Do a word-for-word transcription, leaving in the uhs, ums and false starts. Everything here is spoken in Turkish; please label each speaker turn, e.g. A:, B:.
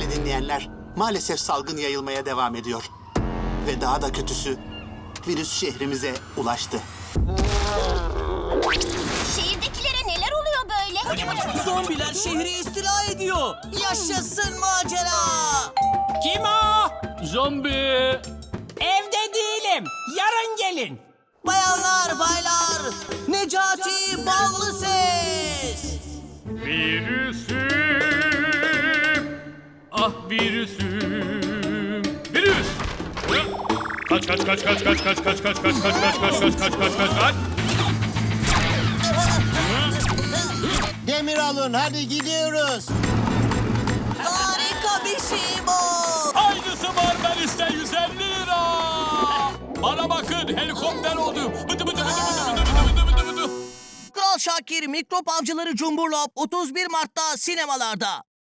A: Sevgili dinleyenler, maalesef salgın yayılmaya devam ediyor. Ve daha da kötüsü, virüs şehrimize ulaştı.
B: Şehirdekilere neler oluyor böyle?
C: Zombiler şehri istila ediyor. Yaşasın macera.
D: Kim o? Zombi.
E: Evde değilim. Yarın gelin.
C: Bayanlar, baylar, Necati Ballı Ses.
D: Virüsüm. Ah virüsüm. Virüs. Kaç kaç kaç kaç kaç kaç kaç kaç kaç kaç kaç kaç kaç kaç kaç kaç kaç.
F: Demir alın, hadi gidiyoruz.
C: Harika bir şey bu.
D: Aynısı var Melis'te yüz elli lira. Bana bakın helikopter oldu. Bıdı bıdı bıdı bıdı bıdı bıdı bıdı bıdı.
C: Kral Şakir Mikrop Avcıları Cumburlop otuz bir Mart'ta sinemalarda.